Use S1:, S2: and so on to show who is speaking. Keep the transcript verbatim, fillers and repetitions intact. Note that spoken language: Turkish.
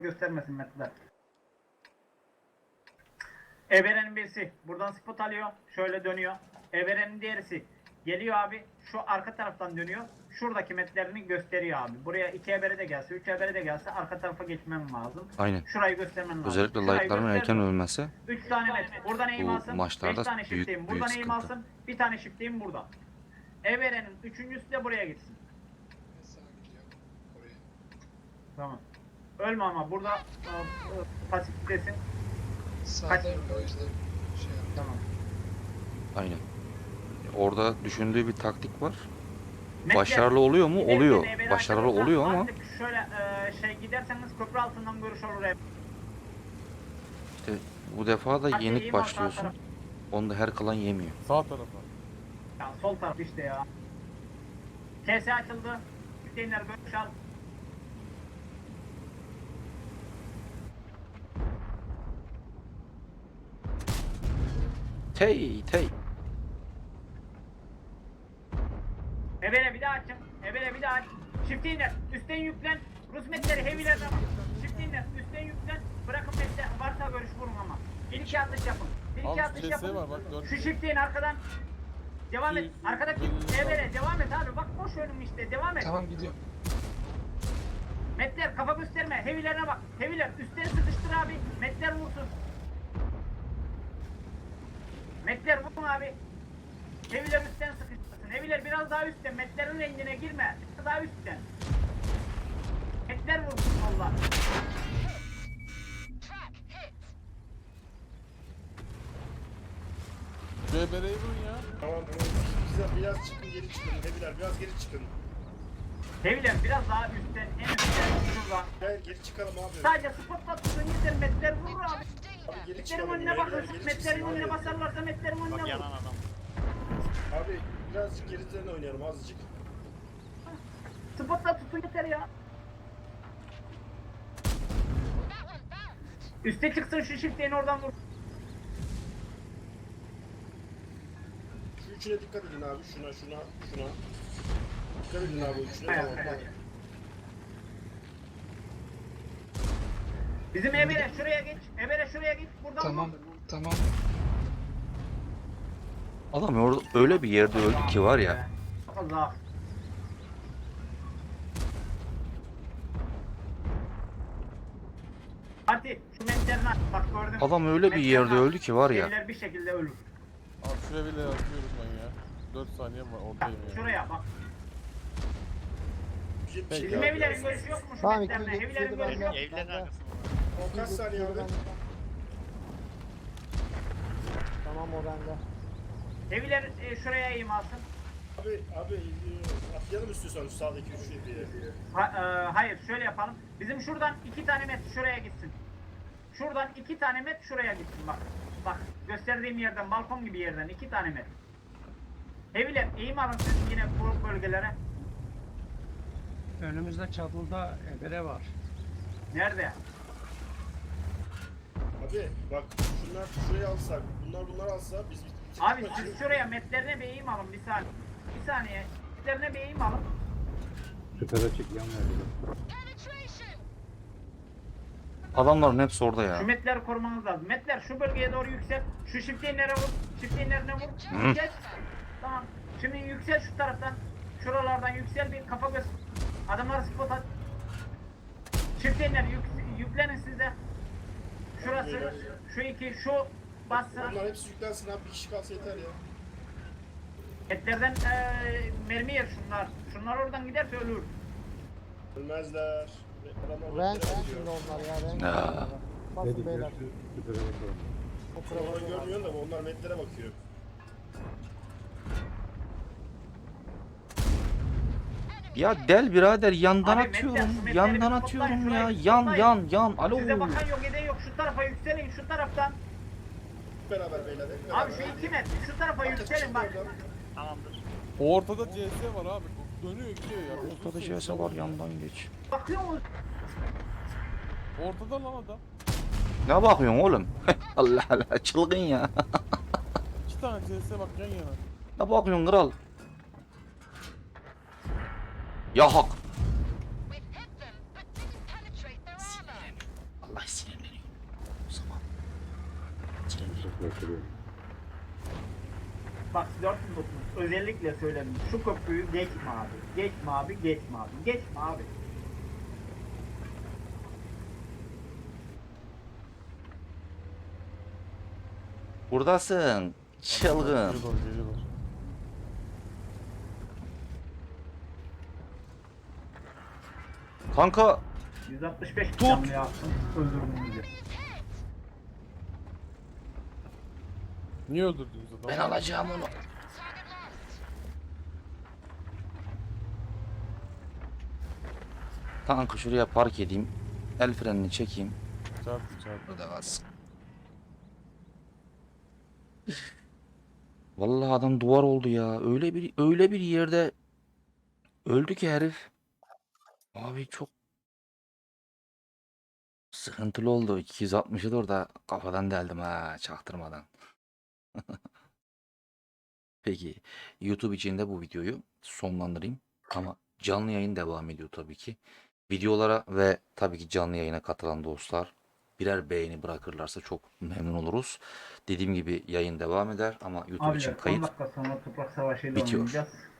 S1: göstermesin metler. Everenin birisi buradan spot alıyor. Şöyle dönüyor. Everenin diğerisi geliyor abi. Şu arka taraftan dönüyor. Şuradaki metlerini gösteriyor abi. Buraya iki ebere de gelse, üç ebere de gelse arka tarafa geçmem lazım.
S2: Aynen.
S1: Şurayı göstermen lazım.
S2: Özellikle
S1: Şurayı
S2: light'ların erken
S1: gösterdim.
S2: ölmesi
S1: üç tane met. Buradan eğim
S2: bu
S1: alsın. beş
S2: maçlarda
S1: tane
S2: büyük
S1: shift'teyim.
S2: büyük
S1: Buradan eğim
S2: sıkıntı.
S1: alsın. Bir tane shift'teyim burada. Everenin üçüncüsü de buraya gitsin. Tamam. Ölme ama burada e, e, pasiftesin.
S3: Sağdayım o yüzden şey yaptım.
S1: Tamam.
S2: Aynen. Orada düşündüğü bir taktik var.
S1: Metler,
S2: Başarılı oluyor mu?
S1: giderken
S2: Oluyor.
S1: evvel
S2: Başarılı
S1: arkadaşlar
S2: oluyor ama
S1: artık şöyle e, şey giderseniz köprü altından görüş olur hep.
S2: işte bu defa da
S1: Hadi
S2: yenik
S1: iyi bak, sağ
S2: başlıyorsun.
S1: taraf.
S2: Onu da her kalan yemiyor.
S4: Sağ tarafa.
S1: Ya sol taraf işte ya. K S açıldı. Hüseyinler görüş al.
S2: Tey tey.
S1: Evele bir daha açın. Evele bir daha aç. Shift iner. Üstten yüklen. Rus metleri heavy'lerden bak. Shift iner. Üstten yüklen. Bırakın metler. Varsa görüş vurun ama. Bir iki atış yapın. Bir iki
S4: Abi
S1: atış
S4: C S
S1: yapın.
S4: var bak, dört.
S1: Şu shift in arkadan. Devam et.
S4: Bir-
S1: Arkadaki
S4: bir-
S1: evele devam et abi. Bak boş önüm işte. Devam et.
S3: Tamam gidiyorum.
S1: Metler kafa gösterme. Heavy'lerine bak. Heavy'ler üstleri sıkıştır abi. Metler vursun. Metler vurun abi. Heavy'ler üstten sıkıştırsın. Heavy'ler biraz daha üstten. Metlerin rengine girme. Biraz daha üstten. Metler vursun valla.
S4: C B R'yi vurun ya.
S5: Tamam tamam. Güzel, biraz çıkın geri çıkın. Hebiler biraz geri çıkın.
S1: Heavy'ler biraz daha üstten. En üstten. Şuradan.
S5: Gel geri çıkalım abi.
S1: Sadece spotla tutun yeter. Metler vurur abi.
S5: Abi geri
S1: Metlerin
S5: çıkalım.
S1: önüne
S5: Hebiler
S1: bakın.
S5: geri
S1: Metlerin
S5: çıksın
S1: önüne
S5: abi.
S1: basarlarsa metlerin önüne vurur.
S5: Abi birazcık geri üzerine oynayalım azıcık.
S1: Spotla tutun yeter ya. Üste çıksın şu shift'leyin oradan vur.
S5: Şu üçüne dikkat edin abi. Şuna şuna şuna. Dikkat edin abi o üçüne.
S1: Hayır,
S5: Tamam
S1: hayır.
S5: tamam.
S1: Bizim Emre şuraya geç. Emre şuraya git. Buradan
S3: Tamam
S1: vur.
S3: tamam.
S2: Adam orada öyle bir yerde öldü ki var ya.
S1: Allah. Fatih şu metlerini aç. Bak gördün.
S2: Adam öyle bir
S1: Metlerini
S2: yerde
S1: aç.
S2: öldü ki var ya.
S1: Şeyler bir şekilde ölür.
S4: Abi şuraya bile atıyorum ben ya. dört saniye var
S1: Bak,
S4: oradayım ya.
S1: şuraya bak.
S5: Bizim
S4: Peki
S1: Bizim
S4: abi.
S1: evlerin görüşü yok mu şu
S6: Tamam,
S1: metlerine?
S6: iki yüz
S1: Evlerin
S6: yetmiş yedi
S1: görüşü yok.
S6: bende.
S7: Evlerin arkasında.
S5: O kaç saniye abi?
S6: Tamam o bende.
S1: Evler e, şuraya eğim alsın.
S5: Abi abi e, atlayalım istiyorsan şu sağdaki üçlü diye.
S1: Ha, e, hayır şöyle yapalım. Bizim şuradan iki tane met şuraya gitsin. Şuradan iki tane met şuraya gitsin bak. Bak gösterdiğim yerden balkon gibi yerden iki tane met. Evler eğim alın siz yine bu bölgelere.
S8: Önümüzde çadılda ebere var.
S1: Nerede?
S5: Abi bak şunlar şuraya alsak, bunlar bunları alsa biz bitirdik
S1: Abi
S5: maçı.
S1: siz şuraya metlerine bir eğim alın bir saniye. Bir saniye. Metlerine bir eğim alın.
S2: Adamların hepsi orada
S1: Şu
S2: ya.
S1: metleri korumanız lazım. Metler şu bölgeye doğru yüksel. Şu shift'inlere vur. Shift'inlerine vur.
S2: Hı.
S1: Geç. Tamam. Şimdi yüksel şu taraftan. Şuralardan yüksel bir kafa göz. Adamları spot at. Shift'inler yük, yüklenin size. Şurası. Şu iki. Şu bassın.
S5: Bunlar hepsi yüklensin abi, bir kişi kalsa yeter ya.
S1: Etlerden eee mermi yer şunlar. Şunlar oradan giderse ölür.
S5: Ölmezler. Adamlar
S6: Renk
S5: metlere
S6: şimdi
S5: bakıyor.
S6: onlar ya renk.
S2: Ya.
S6: Basın beyler. O
S5: Onları
S6: kravatı var.
S5: görmüyorsun da onlar metlere bakıyor.
S2: Ya del birader yandan
S1: Abi, Metler,
S2: atıyorum.
S1: şu metleri
S2: Yandan
S1: bir
S2: atıyorum
S1: toplayın,
S2: ya.
S1: şurayı
S2: Yan
S1: toplayın.
S2: yan yan. Alo.
S1: Size bakan yok eden yok. Şu tarafa yükselin şu taraftan.
S5: Hep beraber beyler, hep beraber.
S1: Abi şu iki met. Şu tarafa yükselin bak.
S7: Tamamdır.
S4: Ortada C S var abi. Dönüyor gidiyor ya.
S2: Ortada C S var yandan geç.
S1: Bakıyor musun?
S4: Ortada lan adam.
S2: Ne bakıyorsun oğlum? Allah Allah çılgın ya.
S4: İki tane C S bak yan yana.
S2: Ne bakıyorsun kral? Ya hak. Vallahi sinirleniyorum. O zaman. Sinirleniyorum.
S6: Çok meşhur.
S1: Bak dört yüz otuz özellikle söyledim. Şu köprüyü geçme abi. Geçme abi, geçme abi. Geçme abi.
S2: Buradasın. Çılgın.
S4: Geliyorlar, geliyorlar.
S2: Kanka
S1: yüz altmış beş
S2: Tut.
S1: canlı yaptım. Öldürdüm diye.
S4: Niye öldürdünüz adamı?
S2: ben alacağım onu. Kanka şuraya park edeyim. El frenini çekeyim.
S4: Çarptı çarptı.
S2: Burada kalsın. Vallahi adam duvar oldu ya. Öyle bir öyle bir yerde öldü ki herif. Abi çok sıkıntılı oldu. iki yüz altmışı da orada kafadan deldim ha çaktırmadan. Peki YouTube için de bu videoyu sonlandırayım. Ama canlı yayın devam ediyor tabii ki. Videolara ve tabii ki canlı yayına katılan dostlar birer beğeni bırakırlarsa çok memnun oluruz. Dediğim gibi yayın devam eder ama YouTube için
S1: Abiler on
S2: kayıt
S1: dakika sonra toprak savaşıyla
S2: bitiyor.
S1: oynayacağız.